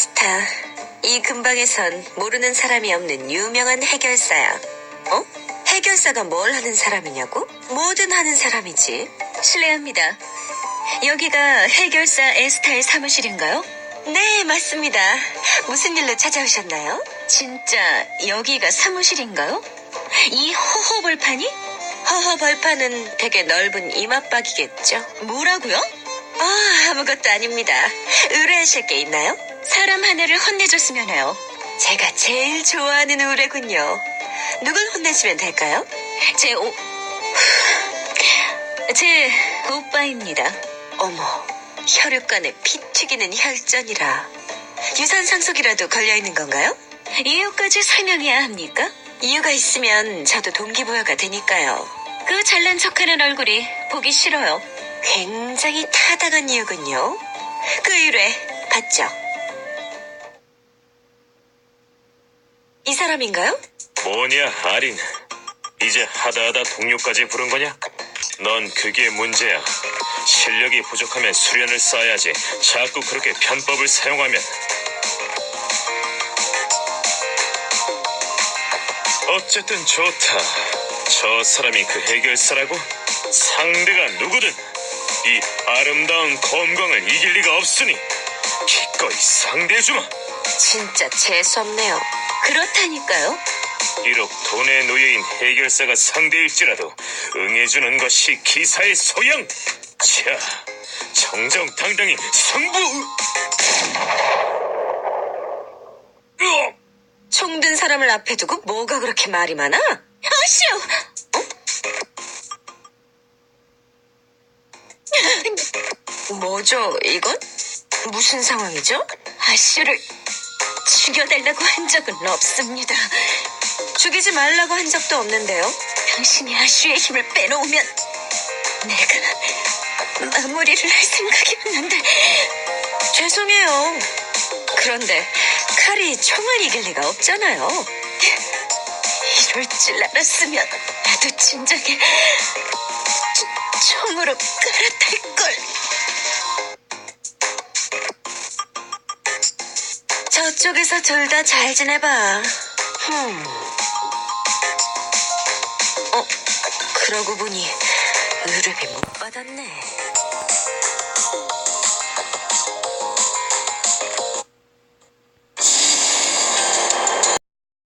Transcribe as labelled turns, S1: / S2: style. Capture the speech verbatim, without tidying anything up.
S1: 에스타. 이 근방에선 모르는 사람이 없는 유명한 해결사야. 어? 해결사가 뭘 하는 사람이냐고? 뭐든 하는 사람이지.
S2: 실례합니다. 여기가 해결사 에스타의 사무실인가요?
S1: 네, 맞습니다. 무슨 일로 찾아오셨나요?
S2: 진짜 여기가 사무실인가요? 이 허허벌판이?
S1: 허허벌판은 되게 넓은 이마박이겠죠?
S2: 뭐라고요?
S1: 아, 아무것도 아닙니다. 의뢰하실 게 있나요?
S2: 사람 하나를 혼내줬으면 해요.
S1: 제가 제일 좋아하는 의뢰군요. 누굴 혼내시면 될까요?
S2: 제 오... 제 오빠입니다.
S1: 어머, 혈육간에 피 튀기는 혈전이라. 유산상속이라도 걸려있는 건가요?
S2: 이유까지 설명해야 합니까?
S1: 이유가 있으면 저도 동기부여가 되니까요.
S2: 그 잘난 척하는 얼굴이 보기 싫어요.
S1: 굉장히 타당한 이유군요. 그 의뢰 받죠? 이 사람인가요?
S3: 뭐냐, 아린. 이제 하다하다 동료까지 부른 거냐? 넌 그게 문제야. 실력이 부족하면 수련을 쌓아야지. 자꾸 그렇게 편법을 사용하면. 어쨌든 좋다. 저 사람이 그 해결사라고? 상대가 누구든 이 아름다운 검광을 이길 리가 없으니 기꺼이 상대해주마.
S1: 진짜 재수없네요.
S2: 그렇다니까요.
S3: 비록 돈의 노예인 해결사가 상대일지라도 응해주는 것이 기사의 소양. 자, 정정당당히 승부. 으어!
S1: 총든 사람을 앞에 두고 뭐가 그렇게 말이 많아?
S2: 아쉬워!
S1: 뭐죠, 이건? 무슨 상황이죠?
S2: 아쉬를 죽여달라고 한 적은 없습니다.
S1: 죽이지 말라고 한 적도 없는데요.
S2: 당신이 아쉬의 힘을 빼놓으면 내가 마무리를 할 생각이었는데.
S1: 죄송해요. 그런데 칼이 총을 이길 리가 없잖아요.
S2: 이럴 줄 알았으면 나도 진작에 초- 총으로 갈아탈걸.
S1: 저쪽에서 둘 다 잘 지내봐. 흠. 어, 그러고 보니 의뢰비 못 받았네.